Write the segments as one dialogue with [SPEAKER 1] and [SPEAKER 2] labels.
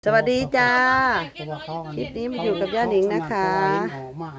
[SPEAKER 1] สวัสดีจ้าค
[SPEAKER 2] ค
[SPEAKER 1] ลิ
[SPEAKER 2] ลิ
[SPEAKER 1] ป
[SPEAKER 2] ป
[SPEAKER 1] นี้
[SPEAKER 2] นี้
[SPEAKER 1] มา
[SPEAKER 2] มา
[SPEAKER 1] อ
[SPEAKER 2] อยู่ ยู่
[SPEAKER 1] กั
[SPEAKER 2] กั
[SPEAKER 1] บบ ย่า
[SPEAKER 2] ย่า
[SPEAKER 1] ห
[SPEAKER 2] ห
[SPEAKER 1] นิ
[SPEAKER 2] นิ
[SPEAKER 1] ง
[SPEAKER 2] ง
[SPEAKER 1] นะ
[SPEAKER 2] นะคะ คะ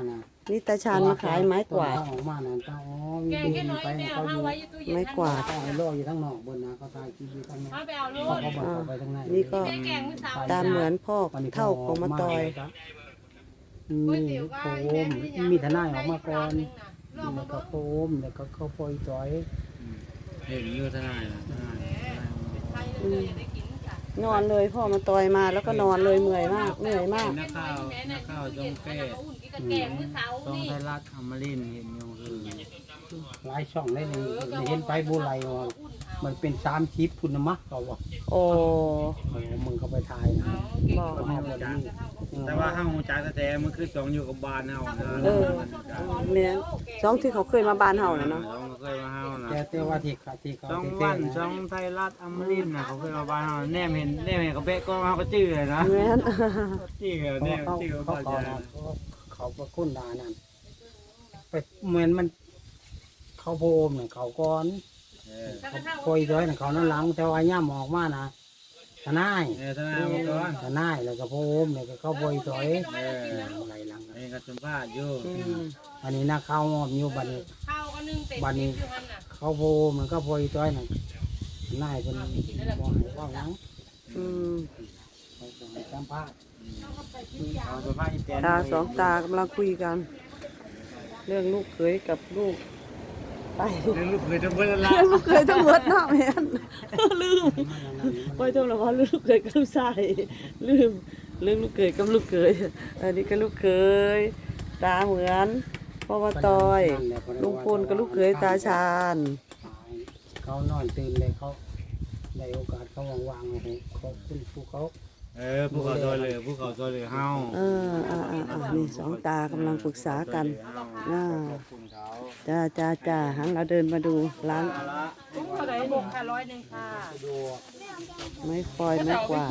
[SPEAKER 1] นี่ตาชาญมาขายไม้กวาด
[SPEAKER 2] ออกมานะเจ้าอ๋อมี
[SPEAKER 3] แกง
[SPEAKER 2] เบ
[SPEAKER 3] แค่
[SPEAKER 2] น
[SPEAKER 3] น้อย
[SPEAKER 2] ไป
[SPEAKER 3] แมว
[SPEAKER 2] เขาอ
[SPEAKER 3] ห้า
[SPEAKER 2] ยู่
[SPEAKER 3] ไว้อยู่ตู้เย็น
[SPEAKER 1] ไม่กวาด
[SPEAKER 2] เขาไอ้โลอยู่ทั้งนอกบนนะเขาตายคลิปอยู่ทั้งนั้น
[SPEAKER 3] มาไปเอาลู
[SPEAKER 2] เขา
[SPEAKER 3] ก
[SPEAKER 2] ก็บอกเขาไปทางไหน
[SPEAKER 1] นี่ก็
[SPEAKER 3] แกงมื้อเช้า
[SPEAKER 1] ตามเหมือนพ่อเท่าของมาตอย
[SPEAKER 2] มีโคมมีทนายออกมาก่อนแล้วก็โคมแล้วก็เขาปล่อยจอย
[SPEAKER 4] เห็นอยู่ทนายนะทนาย
[SPEAKER 3] ไทยเลยได้กินค่ะ
[SPEAKER 1] นอนเลยพ่อมาตอยมาแล้วก็นอนเลยเหนื่อยมากเหนื่อยมาก
[SPEAKER 4] นักข่าวจงแก้
[SPEAKER 3] แกงมื้อเช้า
[SPEAKER 4] จง
[SPEAKER 3] นี่
[SPEAKER 4] ไทยรัฐอมรินทร์เห็นอยู่คือ
[SPEAKER 2] หลายช่องได้เลยเห็นไปบุไรว่ามันเป็น3 คลิปพุ่นนะมะเขาบอก
[SPEAKER 1] โอ้
[SPEAKER 2] มึงเขาไปถ่ายนะ
[SPEAKER 1] บอก
[SPEAKER 2] เขาเอาแบบนี้
[SPEAKER 4] แต่ว่าห้างจักรแท้มันคือจงอยู่กับบ้านเฮานะ
[SPEAKER 1] เออเนี่ยสองที่เขาเคยมาบ้านเฮาน่ะเนาะ
[SPEAKER 4] จงก็เคยมาเฮานะ
[SPEAKER 2] แต่ว่าที่เขา
[SPEAKER 4] จง
[SPEAKER 2] ที่
[SPEAKER 4] วัน
[SPEAKER 2] นะ
[SPEAKER 4] จงไทยรัฐอมรินทร์นะเขาเคยมาบ้านเฮาแนมเห็นเขาเป๊ะก็เฮาก็จื้อเลยนะ
[SPEAKER 1] แม่น
[SPEAKER 4] จื้อแนมจื้อ
[SPEAKER 2] เขา
[SPEAKER 4] ก็
[SPEAKER 2] เขา
[SPEAKER 4] จะ
[SPEAKER 2] เขาก็คุ้นดานั่นไปเหมือนมันเขาโพมเนี่ยเขาก้อนเขาโพยด้อยเนี่ยเขานั่นหลังแต่ว่าย่ามออกมานะทนาย
[SPEAKER 4] ทนายมาก่อน
[SPEAKER 2] ทนายแล้วก็โพมเนี่ยก็เขาโพยด้อยอะไรหลัง
[SPEAKER 4] เองก็สัมภาษณ์อยู่
[SPEAKER 1] อืม
[SPEAKER 2] อันนี้นะเขาหอมอยู่บัดนี้
[SPEAKER 3] ข้าวก็นึ่งเต็มอยู่หั่นน่ะ
[SPEAKER 2] เขาโพมมันก็โพยด้อยน่ะทนายเป็นบอกให้ว่าหลัง
[SPEAKER 1] อืม
[SPEAKER 2] เขาบอกให้สัมภาษณ์
[SPEAKER 4] เอาสัมภาษณ์อีแตน
[SPEAKER 1] ตาสองตากำลังคุยกัน เรื่องลูกเขยกับลูกไป
[SPEAKER 4] เรื่องลูกเคยจะเบิ่งละ
[SPEAKER 1] เรื่องลูกเขยทั้งหมดเนาะแม่นลืมไปจมแล้วว่าลูกเขยกับลูกชายลืมเรื่องลูกเขยกับลูกเขยอันนี้ก็ลูกเขยตาเหมือนพ่อมาตอยลุงพลกับลูกเขยตาชาญ
[SPEAKER 2] เขานอนตื่นเลยเขาได้โอกาสเขาวางๆให้เขาขึ้นภูเขา
[SPEAKER 4] ภูเขาซอยเหลือภูเขาซอยเหลือเฮา
[SPEAKER 1] นี่สองตากำลังปรึกษากันน่า
[SPEAKER 4] ขอบคุณเขา
[SPEAKER 1] จ้าหันเราเดินมาดูร้าน
[SPEAKER 3] กุ้งเท่าไหร่บกค่ะ100ค่ะ
[SPEAKER 1] ไม้ฟอยไม้กวาด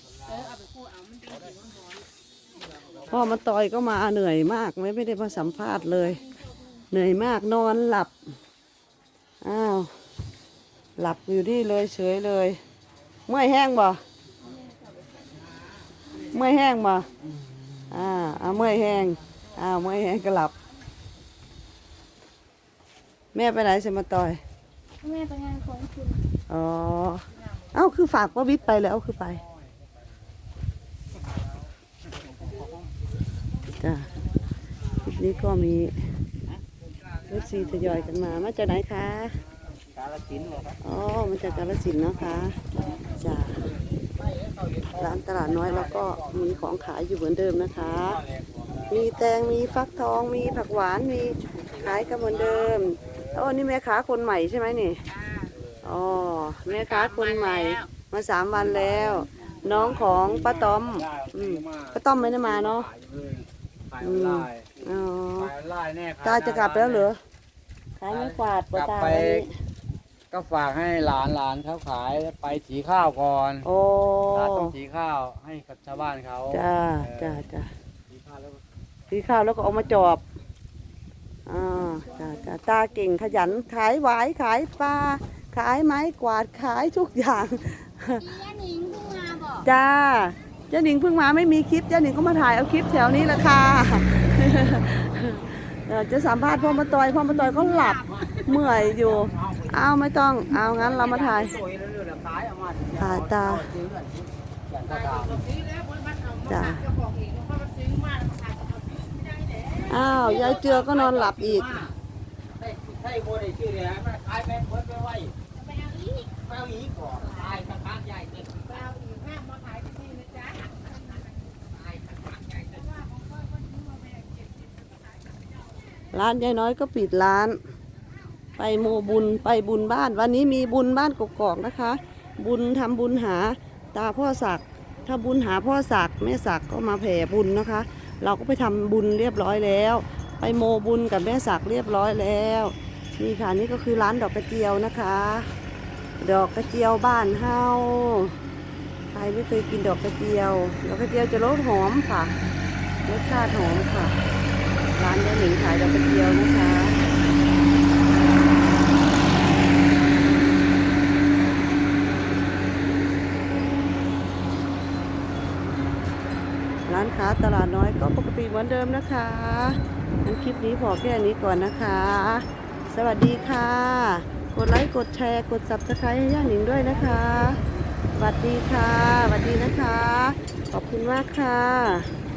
[SPEAKER 1] พ่อมาต่อยก็มาเหนื่อยมากไม่ได้มาสัมภาษณ์เลย เหนื่อยมากนอนหลับอ้าวหลับอยู่นี่เลยเฉยเลยเมื่อยแห้งบ่เมื่อยแห้งบ่เมื่อยแห้งเมื่อยแห้งก็หลับ แม่ไปไหนจะมาต่อย
[SPEAKER 5] แม่ไปงานของคุณ
[SPEAKER 1] อ๋อเอ้าคือฝากว่าวิทย์ไปแล้วคือไปจ้าคลิปนี้ก็มีรถซีทยอยกันมาจากไหนคะ
[SPEAKER 2] กาลสินธุ์เหรอครับ
[SPEAKER 1] อ๋อมาจากกาฬสินธุ์เนาะคะจ้าร้านตลาดน้อยแล้วก็มีของขายอยู่เหมือนเดิมนะคะ มีแตงมีฟักทองมีผักหวานมีขายกันเหมือนเดิมแล้วนี่แม่ค้าคนใหม่ใช่ไหมนี่อ๋อแม่ค้าคนใหม่มา3 วันแล้ว น้องของป้าต้อมป้าต้อมไม่ได้มาเนาะ
[SPEAKER 4] ขายออนไลน์
[SPEAKER 1] อ๋อ
[SPEAKER 4] ขายออนไลน์แน่
[SPEAKER 1] ตาจะกลับแล้วเหรอขายไม่กวาด
[SPEAKER 4] กลับ
[SPEAKER 1] ตา
[SPEAKER 4] ไป
[SPEAKER 1] วันนี้
[SPEAKER 4] ก็ฝากให้หลานเขาขายไปสีข้าวก่อน
[SPEAKER 1] โอ้
[SPEAKER 4] ตาต้องสีข้าวให้กับชาวบ้านเขา
[SPEAKER 1] จ้า
[SPEAKER 4] เออ
[SPEAKER 1] จ้า
[SPEAKER 4] สีข้าวแล้วก็
[SPEAKER 1] ซื้อข้าวแล้วก็เอามาจอบจ้าตาเก่งขยันขายหวายขายปลาขายไม้กวาดขายทุกอย่าง
[SPEAKER 5] ย่าหนิงเพิ่งมาบอก
[SPEAKER 1] จ้าเจ้าหนิงเพิ่งมาไม่มีคลิปเจ้าหนิงก็มาถ่ายเอาคลิปแถวนี้แหละค่ะ จะสัมภาษณ์พ่อมาตอยก็หลับเมื่อยอยู่เอาไม่ต้องเอางั้นเรามาถ่ายถ่ายตาจ้าอ้าวยายเจือก็นอนหลับอีก
[SPEAKER 2] ใช่โบได้ชื่อเลยนะมันขายแม่เบิดไปไว้ไปเอาอีกก่อนตายกระทะใหญ่เกิน
[SPEAKER 1] ร้านยายน้อยก็ปิดร้าน ไปโมบุญไปบุญบ้าน วันนี้มีบุญบ้านกกอกนะคะ บุญทำบุญหาตาพ่อศักดิ์ถ้าบุญหาพ่อศักดิ์แม่ศักดิ์ก็มาแผ่บุญนะคะ เราก็ไปทำบุญเรียบร้อยแล้ว ไปโมบุญกับแม่ศักดิ์เรียบร้อยแล้วนี่ค่ะนี่ก็คือร้านดอกกระเจียวนะคะ ดอกกระเจียวบ้านเฮาใครไม่เคยกินดอกกระเจียวดอกกระเจียวจะรสหอมค่ะรสชาติหอมค่ะ ร้านยายหนิงขายดอกกระเจียวนะคะร้านค้าตลาดน้อยก็ปกติเหมือนเดิมนะคะงั้นคลิปนี้พอแค่นี้ก่อนนะคะ สวัสดีค่ะ กดไลค์กดแชร์กด Subscribe ให้ย่าหนิงด้วยนะคะสวัสดีค่ะสวัสดีนะคะ ขอบคุณมากค่ะ